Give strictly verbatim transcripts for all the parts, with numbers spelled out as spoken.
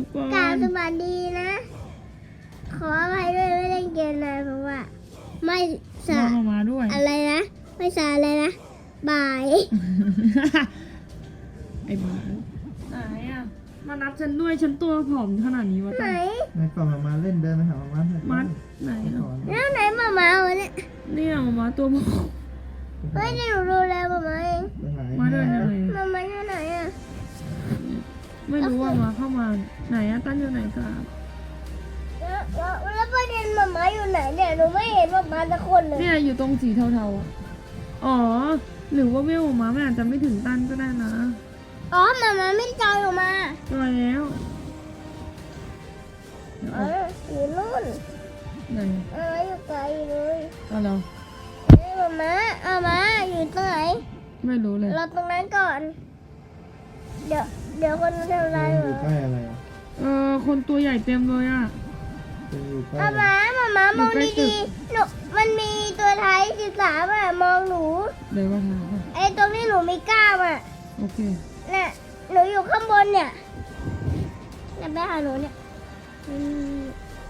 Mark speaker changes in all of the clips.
Speaker 1: ทุกคน
Speaker 2: กราบสวัสดีนะ ขออภัยด้วยไม่เล่นเกมนานเพราะว่า ไม่สา
Speaker 1: มามาด้วย
Speaker 2: อะไรนะ ไม่สาอะไรนะบ่าย
Speaker 1: ไอ้บ้าไหนอ่ะมานับฉันด้วยฉันตัวผอมขนาดนี้วะ
Speaker 2: ไหน
Speaker 1: ตั้ง
Speaker 3: ในกล่องมาเล่นเดินไปหามา
Speaker 1: มัดไหน
Speaker 3: ส
Speaker 1: อ่ะ
Speaker 3: อน
Speaker 2: แล้วไหนหมามาวะเนี่ย
Speaker 1: เนี่ยมามาตัวผอม
Speaker 2: เฮ้ยนี่หนูดูแลหมามาเอง
Speaker 3: ไปหา
Speaker 1: มาเดินยังไง
Speaker 2: หมามาอยู่ไหนอ่ะ
Speaker 1: ไม่รู้ว่ามาเข้ามาไหนอะตั้นอยู่ไหนกัน
Speaker 2: แล้วแล้วแล้วประเด็นหมามาอยู่ไหนเนี่ยหนูไม่เห็นหมามาสักคนเลย
Speaker 1: เนี่ยอยู่ตรงสีเทาๆอะอ๋อหรือว่าเวลมามันอาจจะไม่ถึงตั้นก็ได้นะ
Speaker 2: อ๋อหมามาไม่จอยออกมา
Speaker 1: จอยแล้วเดี๋ยว
Speaker 2: อ๋อ
Speaker 1: เอา
Speaker 2: อยู่นู่น
Speaker 1: ไหน
Speaker 2: เอออยู่ไกลเลย
Speaker 1: เอาเรา
Speaker 2: เฮ้ยหมามาเอามาอยู่ตรงไหน
Speaker 1: ไม่รู้เลย
Speaker 2: เราตรงนั้นก่อน เดี๋ยวเดี๋ยวคนทำอะไร
Speaker 3: อ
Speaker 2: เหร
Speaker 3: ยู่
Speaker 2: อ
Speaker 3: ใกล้อะไรอ่ะ
Speaker 1: เออคนตัวใหญ่เต็มเลยอ่ะ
Speaker 3: เป็นอยู่ใกล้
Speaker 2: เอามาหมามามอง
Speaker 1: อยู่ใกล้ตึ
Speaker 2: ดี
Speaker 1: ก
Speaker 2: ๆหนูมันมีตัวท้ายสิบสามอ่ะมองหนู
Speaker 1: เดี๋ยวมาถามก่อน
Speaker 2: ไอ้ตรงที่หนูมีกล้ามอ่ะ
Speaker 1: โอเค
Speaker 2: น่ะหนูอยู่ข้างบนเนี่ยเนี่ยไปหาหนูเนี่ยอืม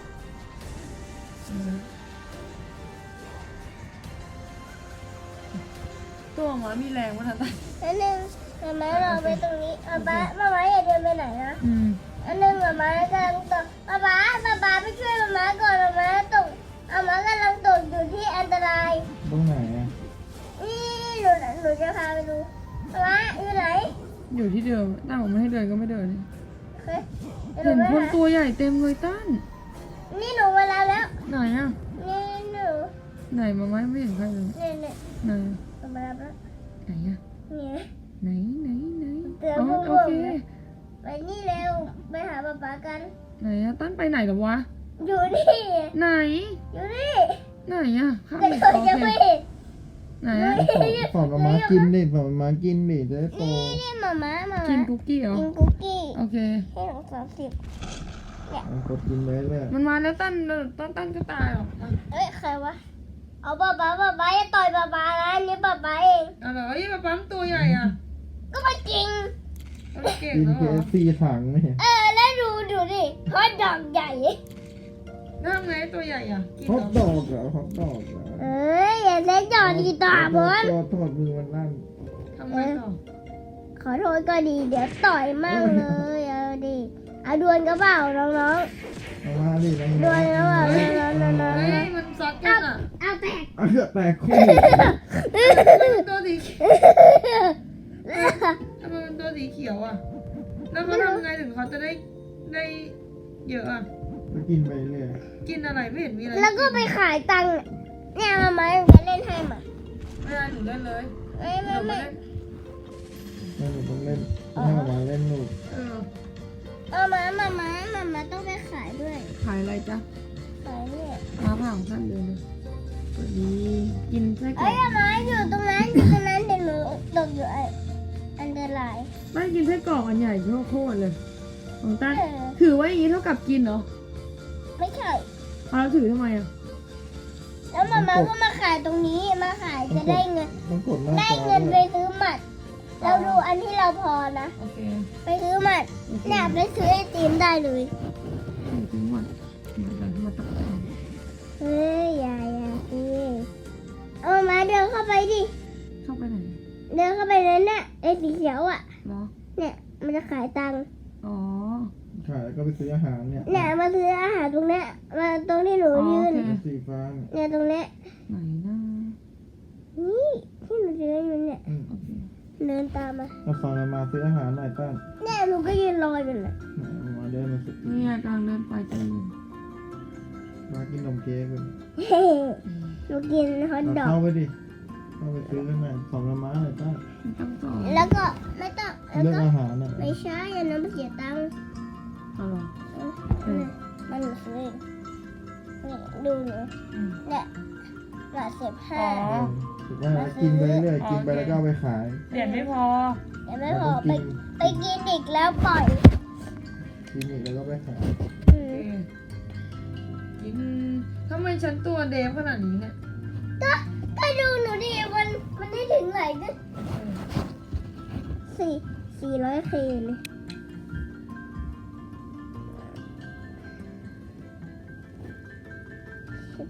Speaker 1: ตัวหมามีแรงมั้ยทันตา
Speaker 2: อันหนึ่งมามาเราไปตรงนี้มามามามาอย่าเดินไปไหนนะ
Speaker 1: อืม
Speaker 2: อันหนึ่งมามากำลังตกมามามามาไปช่วยมามาก่อนมามาตกมามากำลังตกอยู่ที่อันตราย
Speaker 3: ตรงไหนอ่ะ
Speaker 2: นี่หนูหนูจะพาไปดูมามาอยู่ไหน
Speaker 1: อยู่ที่เดิมตั้งบอกไม่ให้เดินก็ไม่เดิน
Speaker 2: เฮ้ย
Speaker 1: เห็นคนตัวใหญ่เต็มเลยตั้น
Speaker 2: นี่หนูมาแล้วแล้ว
Speaker 1: ไหนอ่ะ
Speaker 2: นี่หนู
Speaker 1: ไหนมาไม่ไม่เห็นใครเลย
Speaker 2: เนี่ยเนี่ย
Speaker 1: ไหน
Speaker 2: หนูมาแล้วแล้ว
Speaker 1: ไหนอ่ะ
Speaker 2: เนี่ย
Speaker 1: ไหนไหนไหน
Speaker 2: เตือน
Speaker 1: อ๋อ
Speaker 2: พวก
Speaker 1: โอเค
Speaker 2: ผมนะ ไปนี่เร็วไปหาป๊าป๊ากัน
Speaker 1: ไหนอะตั้นไปไหนหรอวะ
Speaker 2: อยู่นี่
Speaker 1: ไหน
Speaker 2: อยู่นี่
Speaker 1: ไหนอะข้าง
Speaker 2: แต่
Speaker 1: อีก
Speaker 2: เขา
Speaker 1: โอ
Speaker 2: ยัง
Speaker 1: เค
Speaker 2: ไม่เห็น
Speaker 1: ไหนอะ
Speaker 3: สอนมามากินดิสอนมากินดิจะได้โต
Speaker 2: นี่นี่หมามาหมา
Speaker 1: กิน
Speaker 2: มา
Speaker 1: คุกกี้เหรอ
Speaker 2: กินคุกกี้
Speaker 1: โอเค
Speaker 2: ให้หนูสามสิบ
Speaker 3: เอากดกินไปเรื่อย
Speaker 1: มันมาแล้วตั้นตั้นตั้นก็ตายหรอกอ่ะ
Speaker 2: เอ้ยใครวะเอาป๊าป๊าป๊าป๊าอย่าต่อยป๊าป๊านะอันนี่ป๊าป๊าเอง
Speaker 1: เอาเหรอยี่มาปั๊มตัวใหญ่อ่ะ
Speaker 2: ก็มาจริง
Speaker 1: เอาเก่ง
Speaker 3: กิน
Speaker 1: แล้ว
Speaker 3: เค
Speaker 1: เหรอ
Speaker 3: ฟซีถังนี่
Speaker 2: เออแล้วดูดูดิฮอตดอกใหญ่
Speaker 1: แล้วทำไงตัวใหญ่อ่ะกิน
Speaker 3: ฮอต
Speaker 1: เหร
Speaker 3: ด
Speaker 1: อ
Speaker 3: อกเหรอฮอตดอกเหรอ
Speaker 2: เอ้ยอย่าเล่นจอดีต่อบอล
Speaker 3: โทษโทษมือมันลั่น
Speaker 1: ทำไงต่อ
Speaker 2: ขอโทษก็ดีเดี๋ยวต่อยมั่งเลยเอาดิเอาดวลก็เปล่าน้อง
Speaker 3: เอามาดิน้อง
Speaker 2: ๆดวลก็เปล่าน้องๆ
Speaker 1: เฮ้ยมันซัดกันอ่ะ
Speaker 2: ๆเอาแตก
Speaker 3: เอาเถอะแต่คู่
Speaker 1: มันตัวสีเขียวทำไมมันตัวสีเขียวอ่ะแล้วเขาทำไงถึงเขาจะได้ได้เยอะอ่ะ
Speaker 3: ก็กินไปเรื่อย
Speaker 1: กินอะไรไม่เห็นมีอะไร
Speaker 2: แล้วก็ไปขายตังค์เนี่ยมามาจะเล่นให้มา
Speaker 1: ไม่ได้หนูเล่นเลย
Speaker 2: ไม่
Speaker 1: ห
Speaker 2: ไม่
Speaker 1: นูไม่
Speaker 2: ไม่
Speaker 1: เล่น
Speaker 3: แล้วหนูต้องเล่นให้มาเล่นลูก
Speaker 1: เออ
Speaker 2: เอามามามามามาต้องไปขายด้วย
Speaker 1: ขายอะไรจ๊ะ
Speaker 2: ขายเนี่ย
Speaker 1: มาผ่าของท่านเลยเลยสวัสดีกินไส้กรอ
Speaker 2: เอ้ย
Speaker 1: ก
Speaker 2: มาอยู่ตรงนั้นอยู่ตรงนั้นเดี๋ยวหนูตกอยู่ไอ้อันตราย
Speaker 1: ต้านกินไส้กรอกอันใหญ่โคตรๆเลยของต้าน
Speaker 2: เออ
Speaker 1: ถือไว้อย่างนี้เท่ากับกินเหรอ
Speaker 2: ไม่ใช่
Speaker 1: เอาแล้วถือทำไมอ่ะ
Speaker 2: แล้วมามาก็มาขายตรงนี้มาขายจะได้เงิน
Speaker 3: ต้องกดหน้า
Speaker 2: ได้
Speaker 3: จอ
Speaker 2: เงินไป
Speaker 3: ด้วย
Speaker 2: ซื้อหมัด เราดูอันที่เราพอนะ
Speaker 1: โอเค
Speaker 2: ไปซื้อหมัด
Speaker 1: โอเค
Speaker 2: เนี่ยไปซื้อไอติมได้เลย
Speaker 1: ถึงหมดมาดันมาตัก
Speaker 2: เฮ้ยอย่าอย่าสิเอามาเดินเข้าไปดิ
Speaker 1: เข้าไปไหน
Speaker 2: เดินเข้าไปนั้นน่ะไอ้สีเขียวอ่ะ
Speaker 1: เหรอ
Speaker 2: เนี่ยมันจะขายตังค์
Speaker 1: อ๋อ
Speaker 3: ขายแล้วก็ไปซื้ออาหารเนี่ย
Speaker 2: เนี่ยมาซื้ออาหารตรงเนี้ยมาตรงที่หนู
Speaker 1: อ๋อ
Speaker 2: ยืน
Speaker 1: โอเค
Speaker 3: สีฟ้าเนี่ย
Speaker 2: เนี่ยตรงเนี้ย
Speaker 1: ไหนนะ
Speaker 2: นี่ที่หนูยืนอยู่เนี่ย
Speaker 3: อืม
Speaker 1: โอเค
Speaker 2: เดินตามมา
Speaker 3: เราสอนมามาซื้ออาหารหน่อยต้าน
Speaker 2: เนี่ยหนูก็ยืนรออยู่น่ะ
Speaker 3: มามาเดินมาสุด
Speaker 1: นี่กำลังเดินไปเจออยู่
Speaker 3: มากินนมเค้กกัน
Speaker 2: เฮ้หนูกินฮอทดอก
Speaker 3: เข้าไปดิเข้าไปซื้อกันหน่อยสอนมามาหน่อยต้าน
Speaker 1: ไม่ต้องสอน
Speaker 2: แล้วก็ไม่ต้องแล้ว
Speaker 3: เลือก
Speaker 2: ก็
Speaker 3: อาหารน่ะ
Speaker 2: ไม่ใช่อันนั้นมันเสียตังค์
Speaker 1: เอาเหรอ
Speaker 2: เออมันหนูซื้อเองนี่ดูหนู
Speaker 1: อืม
Speaker 2: เนี่ยหลอดสิบห้า
Speaker 1: อ๋อ
Speaker 3: ถูกว่ากินไปเรื่อยกินไปแล้วก็เอาไปขาย
Speaker 1: เหรียญไม่พอ
Speaker 2: เดี๋ยวไม่
Speaker 3: แล้ว
Speaker 2: พอ
Speaker 3: ก็
Speaker 2: ไป
Speaker 3: กิน
Speaker 2: ไปกินอีกแล้วปล่อย
Speaker 3: กินอีกแล้วก็ไปขาย
Speaker 2: อื
Speaker 1: โอ
Speaker 2: ม
Speaker 1: เคกินทำไมฉันตัวเดฟขนาดนี้เนี่ย
Speaker 2: ก็ก็ดูหนูดิมันมันได้ถึงไหนก็สี่สี่ร้อยเคเลย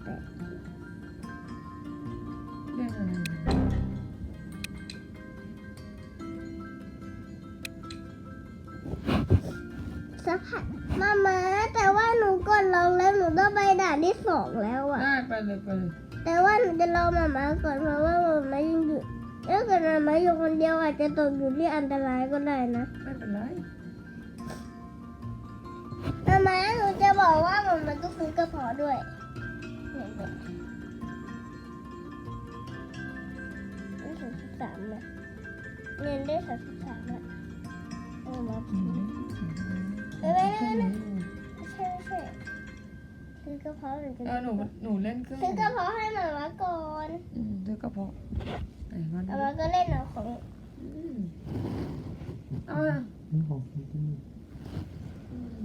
Speaker 2: ปลก
Speaker 1: เรื่องอะไร
Speaker 2: ๆสักพักมามาแต่ว่าหนูกดลองแล้วหนูต้องไปด่านที่สองแล้วอะ
Speaker 1: ได้ไปเลยไปเลย
Speaker 2: แต่ว่าหนูจะรอมามาก่อนเพราะว่ามามายังอยู่ถ้าเกิดมามาอยู่คนเดียวอาจจะตกอยู่ที่อันตรายก็ได้นะ
Speaker 1: ไม่เป็นไร
Speaker 2: มามาหนูจะบอกว่ามันมันต้องซื้อกระเพาะด้วยเนี่ยเนี่ยได้สามสิบสามนะเงินได้สามสิบสามนะเออมา
Speaker 1: อืม
Speaker 2: เออไม่ไม่ไม่ไม่ใช่ไม่ใช่ซื้อกระเพาะหรือจะ
Speaker 1: เออหนูหนูเล่นเครื่อง
Speaker 2: ซื้อกระเพาะให้มามาก่อน
Speaker 1: อืมซื้อกระเพาะไหนมาดู
Speaker 2: มามาก็เล่นเอาของ
Speaker 1: อืมเอาอะ
Speaker 3: นี่ของพี่ที่
Speaker 1: อืม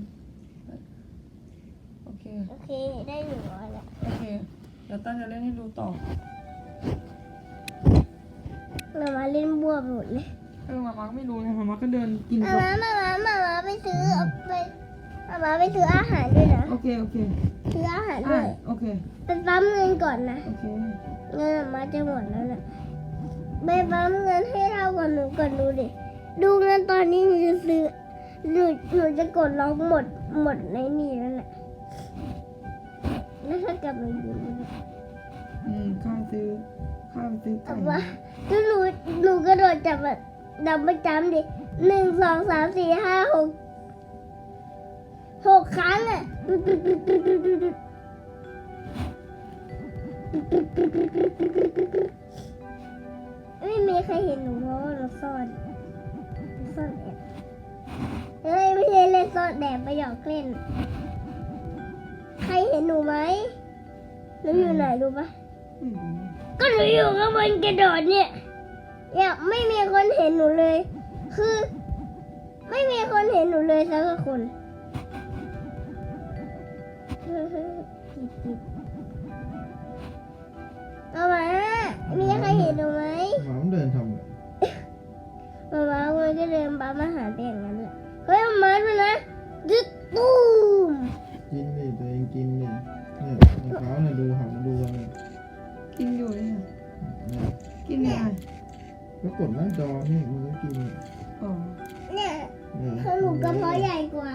Speaker 1: โอเค
Speaker 2: โอเคได้หนึ่งร้อยแล้ว
Speaker 1: โอเคเดี๋ยวตั้นจะเล่นให้ดูต่อ
Speaker 2: มามาเล่นบัวไปหมดเลย
Speaker 1: เออมามาก็ไม่รู้ไงมามาก็เดินกิน
Speaker 2: มา
Speaker 1: กับ
Speaker 2: มามามามามาไปซื้อเอาไปมามาไปซื้ออาหารด้วยนะ
Speaker 1: โอเคโอเค
Speaker 2: ซื้ออาหารด้
Speaker 1: อ่ะ
Speaker 2: วย
Speaker 1: โอเค
Speaker 2: ไปปั๊มเงินก่อนนะ
Speaker 1: โอเค
Speaker 2: เงินมาจะหมดแล้วนะไปปั๊มเงินให้เราก่อนหนูก่อนดูดิดูเงินตอนนี้หนูจะซื้อหนูหนูจะกดล็อกหมดหมดในนี่แล้วแหละแล้วถ้ากลับมาอยู่นี่
Speaker 1: อืมข้าวซื้อข้าวซื้อไก่
Speaker 2: แต่ว่าถ้าหนูหนูกระโดดจับแบบดับประจำดิหนึ่งสองสามสี่ห้าหกหกครั้งอ่ะไม่มีใครเห็นหนูเพราะว่าเราซ่อนซ่อนแอบเฮ้ยไม่ใช่เล่นซ่อนแอบไปหยอกเล่น ใครเห็นหนูไหมหนูอยู่ไหนรู้ปะ
Speaker 1: ไม่รู้
Speaker 2: ก็หนูอยู่ข้างบนกระโดดเนี่ยเนี่ยไม่มีคนเห็นหนูเลย คือ ไม่มีคนเห็นหนูเลยสักคนเอามามีใครเห็นหนูไหม
Speaker 3: หมามันเดินทำอะไร
Speaker 2: มามามันก็เดินปั๊มอาหารไปอย่างนั้นแหละเฮ้ยมาดูนะยึดตูม
Speaker 3: กินดิตัวเองกินดิเนี่ยในเขาเนี่ยดูหันมาดูกันเลย
Speaker 1: กินอยู่เนี่ย
Speaker 3: เนี่ย
Speaker 1: กินยังไง
Speaker 3: ก็กดหน้าจอนี่มันก็กิน
Speaker 1: อ๋อ
Speaker 2: เนี่ย
Speaker 3: เนี่ย
Speaker 2: คือหนูกระเพาะใหญ่กว่า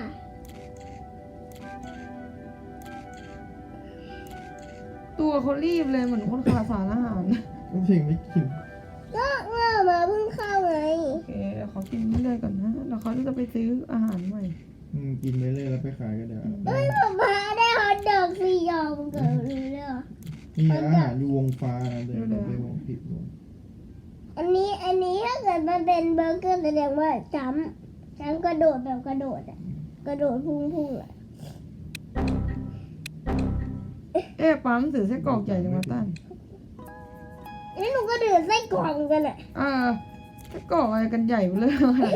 Speaker 1: ตัวเขารีบเลยเหมือนคนขาดสารอาหาร
Speaker 3: ก็เพียงไม่กิน
Speaker 2: ก็เมื่อมาเพิ่งเข้าไง
Speaker 1: โอเคเดี๋ยวเขากินเรื่อยๆก่อนนะแล้วเขาจะไปซื้ออาหารใหม่
Speaker 3: อืมกินไปเรื่อยแล้วไปขายก็เดี๋ยว
Speaker 2: เฮ้ยป๊าป๊าได้ฮอตดอกสี่ยอมเกิดเลยเหรอ
Speaker 3: นี่อาหารอยู่วงฟ้านะเดินไปวงผิดวง
Speaker 2: อันนี้อันนี้ถ้าเกิดมันเป็นเบอร์เกอร์แสดงว่าจ้ำจ้ำกระโดดแบบกระโดดอะกระโดดพุ่งพุ่งๆอะ
Speaker 1: เอ๊ะปั๊มถือไส้กรอกใหญ่จังวะตั้น
Speaker 2: แล้วหนูก็เดือดไส้กรองกันอะ
Speaker 1: เออไส้กรอกอะไรกันใหญ่เลย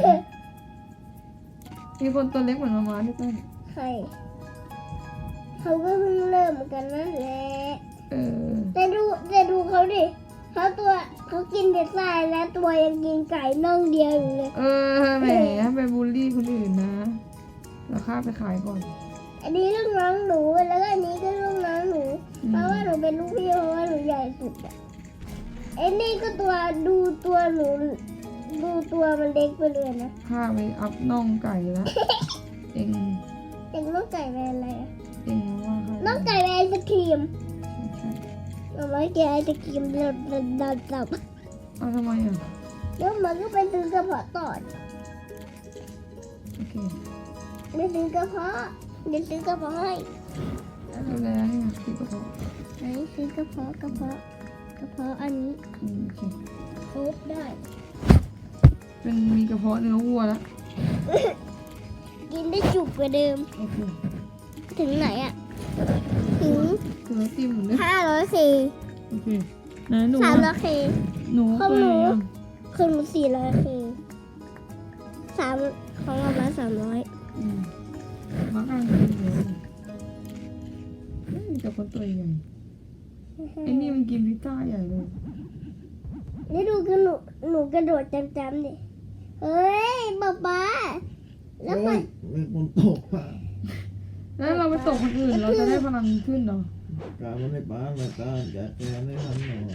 Speaker 1: มีคนตัวเล็กเหมือนมาม่าด้วยตั้น
Speaker 2: ใครเขาก็เพิ่งเริ่มกันนั่นแหละ
Speaker 1: เออ
Speaker 2: แต่ดูแต่ดูเขาดิเขาตัวเขากินแต่ไส้และตัวยังกินไก่น่องเดียวอยู่เลย
Speaker 1: เออแหมไปบูลลี่คนอื่นนะแล้วข้าไปขายก่อน
Speaker 2: อันนี้ลูกน้องหนูแล้วก็อันนี้ก็ลูกน้องหนู
Speaker 1: อืม
Speaker 2: เพราะว่าหนูเป็นลูกพี่เพราะว่าหนูใหญ่สุดอะไอ้นี่ก็ตัวดูตัวหนูดูตัวมันเล็กไปเลยนะ
Speaker 1: ข้าไปอัพน่องไก่แล้ว เอง
Speaker 2: เด็กน้องไก่เป็นอะไรอะ
Speaker 1: เองว่าข้า
Speaker 2: น้องไก่เป็นไอศครีม
Speaker 1: ใช่
Speaker 2: เอาไว้กินไอศครีมดับดับดับดับ
Speaker 1: เอาทำไมอ่ะ
Speaker 2: แล้วมันก็ไปซื้อกระเพาะต่อ
Speaker 1: โอเค
Speaker 2: ไปซื้อกระเพาะเดี๋ยวซื้อกระเพาะให้
Speaker 1: ดูแลให้นะคือกระเพาะ
Speaker 2: ไหนซื้อกระเพาะกระเพาะกระเพาะอันนี้
Speaker 1: อืมโอเค
Speaker 2: ครบได้
Speaker 1: เป็นมีกระเพาะเนื้อวัวแล้ว
Speaker 2: กินได้จุกกว่าเดิม
Speaker 1: โอเค
Speaker 2: ถึงไหนอ่ะ ถึง
Speaker 1: คือเราติ้มเหมือนเดิม
Speaker 2: ห้าร้อยเค
Speaker 1: โอเคไหนหนู
Speaker 2: สามร้อ
Speaker 1: อะ
Speaker 2: ยเค
Speaker 1: หนู
Speaker 2: ของ
Speaker 1: ไป
Speaker 2: หนู
Speaker 1: ยัง
Speaker 2: คือหนูสี่ร้อยเคสามของเรามาสามร้อย
Speaker 1: อืมมากลางกินเยอะเฮ้ยแต่คนตัวใหญ่ไอ้นี่มันกินพิซซ่าใหญ่เลย
Speaker 2: นี่ดูคือหนูหนูกระโดดจำๆดิเฮ้ยป๊าป๊าแล้ว
Speaker 3: โอ้
Speaker 2: ก็
Speaker 3: ยมีคนตกอ่ะ
Speaker 1: แล้วเราไปตกคนอื่นเราจะได้พลังขึ้นเหรอ
Speaker 2: เ
Speaker 3: การมันไม่ป้ามาตามจัดการได้ทันหน่อย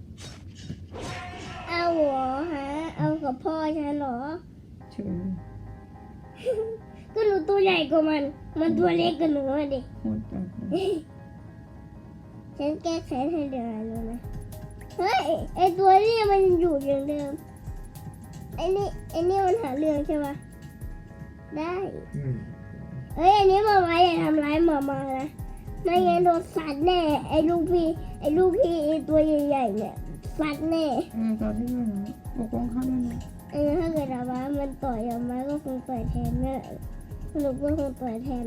Speaker 2: เอาหัวฮะเอากับพ่อฉันเหรอ
Speaker 1: เฉย
Speaker 2: ก็หนูตัวใหญ่กว่ามัน มันตัวเล็กกว่าหนูอะดิ
Speaker 1: โคตรจัดเลย
Speaker 2: ฉันแก้แค้นให้เดือนเลยนะ เฮ้ย ไอตัวนี้มันอยู่อย่างเดิม ไอนี่ไอนี่มันหาเรื่องใช่ปะได้
Speaker 3: อืม
Speaker 2: เฮ้ย อันนี้มามาอย่าทำร้ายหมามานะ ไม่งั้นโดนสัตว์แน่ ไอลูกพี่ ไอลูกพี่ไอตัวใหญ่ๆเนี่ยสัตว์แน่
Speaker 1: เออตอนที่ด้วยนะปกป้องเขาด้วยนะ
Speaker 2: เออถ้าเกิดอามามันต่อยอามาก็คงต่อยแทนแม่หนูก็คงต่อยแทน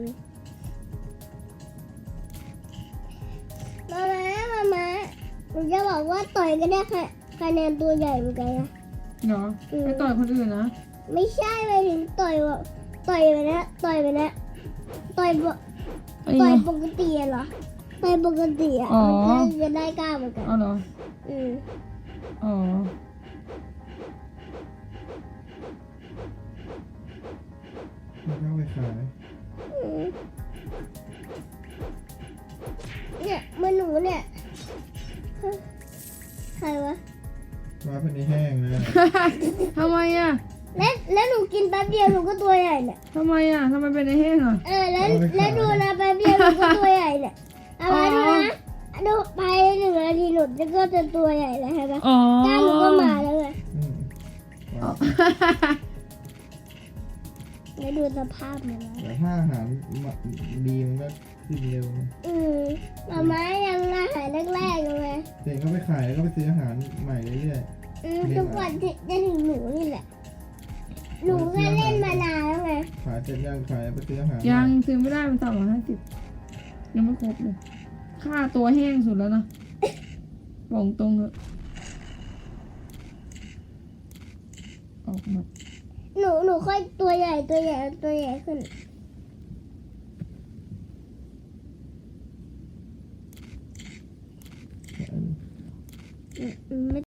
Speaker 2: มามามามาหนูจะบอกว่าต่อยก็ได้ค่ะคะแนนตัวใหญ่เหมือนกันนะ
Speaker 1: เนาะไปต่อยคนอื่นนะ
Speaker 2: ไม่ใช่ไปถึงต่อยว่าต่อยไปนะต่อยไปนะต่อยปก
Speaker 1: ไอ้
Speaker 2: ต่อย
Speaker 1: เนาะ
Speaker 2: ปกติอะเหรอต่อยปกติอะ
Speaker 1: อ๋อ
Speaker 2: มันจะได้กล้าเหมือนกัน
Speaker 1: เอาเหรอ
Speaker 2: อืม
Speaker 1: อ๋อ
Speaker 3: มันก็เอาไปขาย
Speaker 2: อืมเนี่ยมันหนูเนี่ยใครวะ
Speaker 3: มาเป็นในแห้งนะ
Speaker 1: ทำไมอ่ะ
Speaker 2: แล้วแล้วหนูกินแป๊บเดียวหนูก็ตัวใหญ่เนี่ย
Speaker 1: ทำไมอ่ะทำไมเป็นไอ้แห้งอ่ะ
Speaker 2: เออแล้วแล้วดูนะแป๊บเดียวหนูก็ตัวใหญ่เนี่ยเอามาดูนะดูไปหนึ่งนาทีหนูจะก็จะตัวใหญ่แล้วใช่ปะ
Speaker 1: อ๋อก
Speaker 2: ล้ามหนูก็มาแล้วไง
Speaker 3: อืมว้าว
Speaker 2: แล้วดูสภาพมันนะ
Speaker 3: แต่ถ้าอาหารมาดีมันก็ขึ้นเร็วนะ
Speaker 2: อืมมาม่ายังอาหารแรกๆอยู่เลย
Speaker 3: เด็กก็ไปขายแล้วก็ไปซื้ออาหารใหม่เรื่อย
Speaker 2: อืมทุกวันที่จะถึงหนูนี่แหละหนูก็เล่นมานานแล้วไง
Speaker 3: ๆขายเสร็จยังขายไปซื้ออาหาร
Speaker 1: ยังซื้อไม่ได้มันสามร้อยห้าสิบยังไม่ครบเลย ค่าตัวแห้งสุดแล้วนะบอกตรงเถอะออกมา
Speaker 2: หนูหนูค่อยตัวใหญ่ตัวใหญ่ตัวใหญ่ขึ้น อืมไม่